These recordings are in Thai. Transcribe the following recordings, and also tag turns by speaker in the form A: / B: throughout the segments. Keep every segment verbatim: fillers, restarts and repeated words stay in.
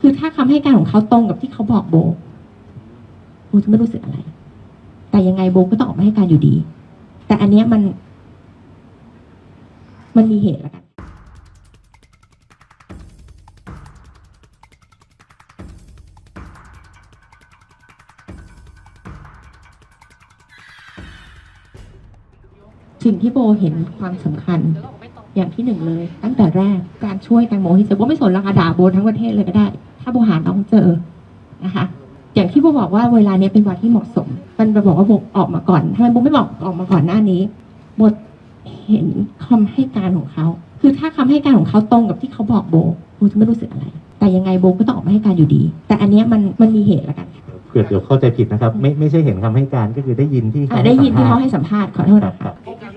A: คือถ้าคำให้การของเขาตรงกับที่เขาบอกโบโบจะไม่รู้สึกอะไรแต่ยังไงโบก็ต้องออกมาให้การอยู่ดีแต่อันเนี้ยมันมันมีเหตุแล้วกันสิ่งที่โบเห็นความสำคัญอย่างที่หนึ่งเลยตั้งแต่แรกการช่วยแตงโมที่เจอโบไม่สนราคาด่าโบทั้งประเทศเลยก็ได้ถ้าโบหาน้องเจอนะคะอย่างที่โบบอกว่าเวลานี้เป็นวันที่เหมาะสมมันไปบอกว่าโบออกมาก่อนทำไมโบไม่บอกออกมาก่อนหน้านี้โบเห็นคำให้การของเขาคือถ้าคำให้การของเขาตรงกับที่เขาบอกโบโบจะไม่รู้สึกอะไรแต่ยังไงโบก็ต้องออกมาให้การอยู่ดีแต่อันเนี้ยมันมันมีเหตุแล้วกัน
B: เผื่อเดี๋ยวเข้าใจผิดนะครับไม่ไม่ใช่เห็นคำให้การก็คือได้ยินที่เขา
A: ได้ยินที่เขาให้สัมภาษณ์ขอโทษนะคะ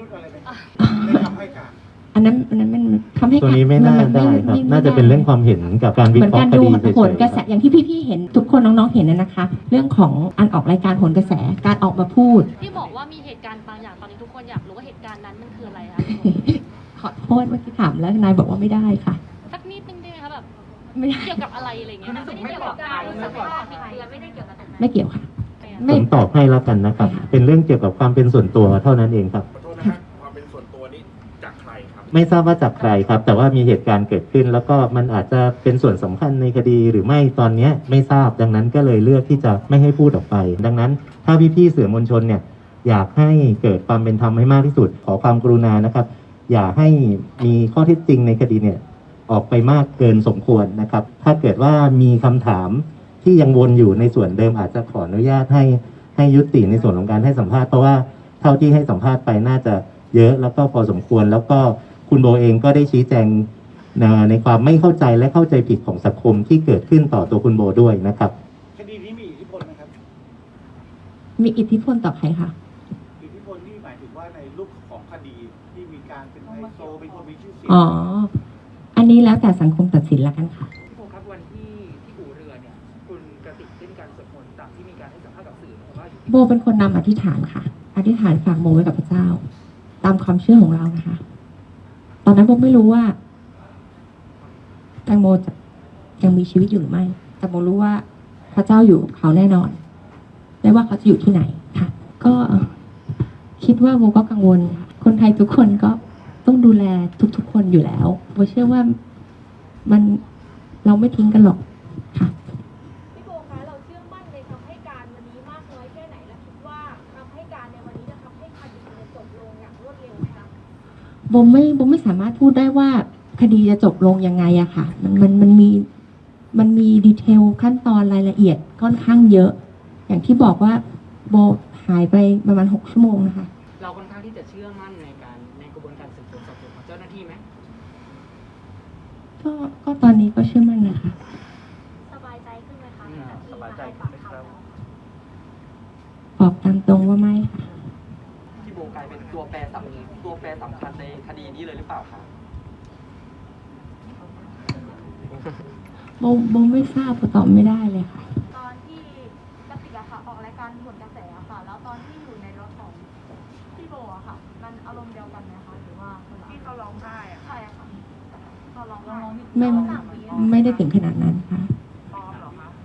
A: อันนั้นอันนั้นมันทำให้
B: ตัวนี้ไม่น่าได้ครับน่าจะเป็นเรื่องความเห็นกับการวิเคราะห์คดีเฉยๆ
A: ผลกระแสอย่างที่พี่ๆเห็นทุกคนน้องๆเห็นนะคะเรื่องของอันออกรายการผลกระแสการออกมาพูด
C: ที่บอกว่ามีเหตุการณ์บางอย่างตอนนี้ทุกคนอยากรู้ว่าเหตุการณ์นั้นมันคืออะไรคะ
A: ขอโทษเมื่อกี้ถามแล้วนายบอกว่าไม่ได้ค่ะ
C: สักนิดนึงได้ไหมคะแบบไม่เกี่ยวกับอะไรอะไรเงี้ยไม่ได้เกี่ยวกับการสัมภาษณ์บิดเบือนไม่ได้เกี่ยวกับ
A: ไม่เกี่ยวค่ะ
B: ผมตอบให้แล้วกันนะครับเป็นเรื่องเกี่ยวกับความเป็นส่วนตัวเท่านั้นเองครับ
D: ความเป็นส่วนตัวนี้จากใครครับ
B: ไม่ทราบว่าจากใครครับแต่ว่ามีเหตุการณ์เกิดขึ้นแล้วก็มันอาจจะเป็นส่วนสำคัญในคดีหรือไม่ตอนนี้ไม่ทราบดังนั้นก็เลยเลือกที่จะไม่ให้พูดออกไปดังนั้นถ้าพี่ๆสื่อมวลชนเนี่ยอยากให้เกิดความเป็นธรรมให้มากที่สุดขอความกรุณานะครับอย่าให้มีข้อเท็จจริงในคดีเนี่ยออกไปมากเกินสมควรนะครับถ้าเกิดว่ามีคำถามที่ยังวนอยู่ในส่วนเดิมอาจจะขออนุญาตให้ให้ยุติในส่วนของการให้สัมภาษณ์เพราะว่าเท่าที่ให้สัมภาษณ์ไปน่าจะเยอะแล้วก็พอสมควรแล้วก็คุณโบเองก็ได้ชี้แจงในความไม่เข้าใจและเข้าใจผิดของสังคมที่เกิดขึ้นต่อตัวคุณโบด้วยนะครับ
D: คดีนี้มีอิทธิพลไหมครับ
A: มีอิทธิพลต่อใครคะ
D: อิทธิพลที่หมายถึงว่าในรูปของคดีที่มีการเป็นไฮโซเป็นคนมีชื่อเสียง
A: อ๋ออันนี้แล้วแต่สังคมตัดสินแล้วกันค่ะ
E: พี่โบครับวันที่ที่อู่เรือเนี่ยคุณกติกได้มีการสวดมนต์ตามที่มีการให้สัมภาษณ์กับสื่อว่า
A: โบเป็นคนนำอธิษฐานค่ะอธิษฐานฝากโมไว้กับพระเจ้าตามความเชื่อของเรานะคะตอนนั้นโบไม่รู้ว่าแตงโมจะยังมีชีวิตอยู่หรือไม่แต่โมรู้ว่าพระเจ้าอยู่กับเขาแน่นอนไม่ว่าเขาจะอยู่ที่ไหนค่ะก็คิดว่าโบก็กังวลค่ะคนไทยทุกคนก็ต้องดูแลทุกๆคนอยู่แล้วโบเชื่อว่ามันเราไม่ทิ้งกันหรอกค่ะ
C: พี่โบคะเราเชื่อมั่นในคำให้การวันนี้มากน้อยแค่ไหนและคิดว่าคำให้การในวันนี้จะทำให้คดีจบลงอย่างรวดเร็วไหมคะ
A: โบไม่โบไม่สามารถพูดได้ว่าคดีจะจบลงยังไงอะค่ะมันมันมันมีมันมีดีเทลขั้นตอนรายละเอียดค่อนข้างเยอะอย่างที่บอกว่าโบหายไปประมาณหกชั่วโมงนะคะ
E: เราค่อนข้างที่จะเชื่อมั่นในการในกระบวนการสืบสวนสอบสวนของเจ้าหน้าที่ไหม
A: ก็ก็ตอนนี้ก็เชื่อมั่นนะคะ
C: สบายใจขึ้นไหมคะ
D: สบายใจขึ้นไหมครับ
A: บอกตามตรงว่าไม่ค่ะ
E: พี่โบกลายเป็นตัวแปรสำคัญตัวแปรสำคัญในคดีนี้เลยหรือเปล่าคะ
A: โบโบไม่ทราบตอบไม่ได้เลยค่ะ
C: ตอนที่กติกอะค่ะออกรายการผลกระแสอะค่ะแล้วตอนที่อยู่ในรถของพี่โบอะค่ะมันอารมณ์เดียวกันไหมคะหรือว่า
D: ที่เขาร้องไห้อะ
C: ใช่ค่ะตอนร้องไห้
A: ไม่ไม่ได้ถึงขนาดนั้นค่ะ
D: ปลอมเหรอคะ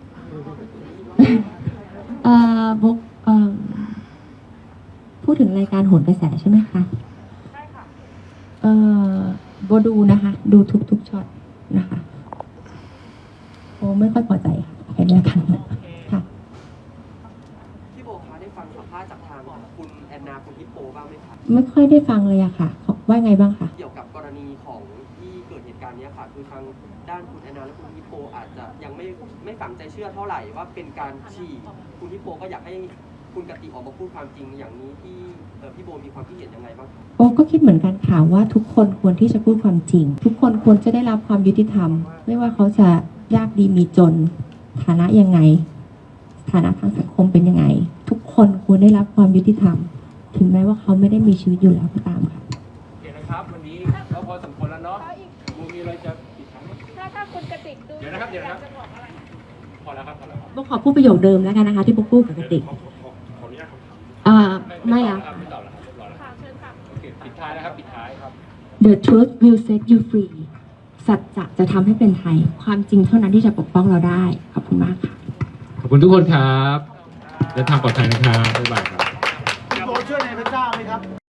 A: เอ่อโบเอ่อพูดถึงรายการโหนกระแสใช่ไหมคะ
C: ใช่ค่ะ
A: เอ่อโบดูนะคะดูทุกทุกช็อตนะคะโบไม่ค่อยพอใจค่ะแค่นี้ค่ะค่ะ
E: พี่โบคะได้ฟังสัมภาษณ์จากทางคุณแอนนาคุณฮิปโปบ้างไหมคะ
A: ไม่ค่อยได้ฟังเลยอะค่ะว่าไงบ้างคะ
E: เกี่ยวกับกรณีของที่เกิดเหตุการณ์นี้ค่ะคือทางด้านคุณแอนนาและคุณฮิปโปอาจจะยังไม่ไม่ฝังใจเชื่อเท่าไหร่ว่าเป็นการฉีกคุณฮิปโปก็อยากให้คุณกติกออกมาพูดความจริงอย่างนี้ที่พี่โบมีความคิดเห็นยังไงบ้าง
A: โอ้ก็คิดเหมือนกันค่ะว่าทุกคนควรที่จะพูดความจริงทุกคนควรจะได้รับความยุติธรรมไม่ว่าเขาจะยากดีมีจนฐานะยังไงฐานะทางสังคมเป็นยังไงทุกคนควรได้รับความยุติธรรมถึงแม้ว่าเขาไม่ได้มีชีวิตอยู่แล้วก็ตามค่ะ
D: โอเคนะครับวันนี้เราพอสมควรแล้วเนาะมูมีอะไรจะปิดท้าย
C: ถ้าถ้าคุณกติกดู
D: เดี๋ยวนะครับเดี๋ยวนะครับพอแล้วครับพอแล้วครับ
A: โบขอพูดประโยคเดิมแล้วกันนะคะที่โบพูดกับกติก
D: ขออนุญาตคำถาม
A: อ่าไม่แล้ว
D: ไม่ตอบแล้วครับเรียบร้อยแล้วค่ะเชิญค่ะโอเคปิดท้ายนะครับปิดท้ายครับ
A: The truth will set you free สัจจะจะทำให้เป็นไทย ความจริงเท่านั้นที่จะปกป้องเราได้ ขอบคุณมากค่ะ
F: ขอบคุณทุกคนครับเดินทางปลอดภัยนะครับบ๊ายบายครับ
D: พี่โบเชื่อในพระเจ้าไหมครับ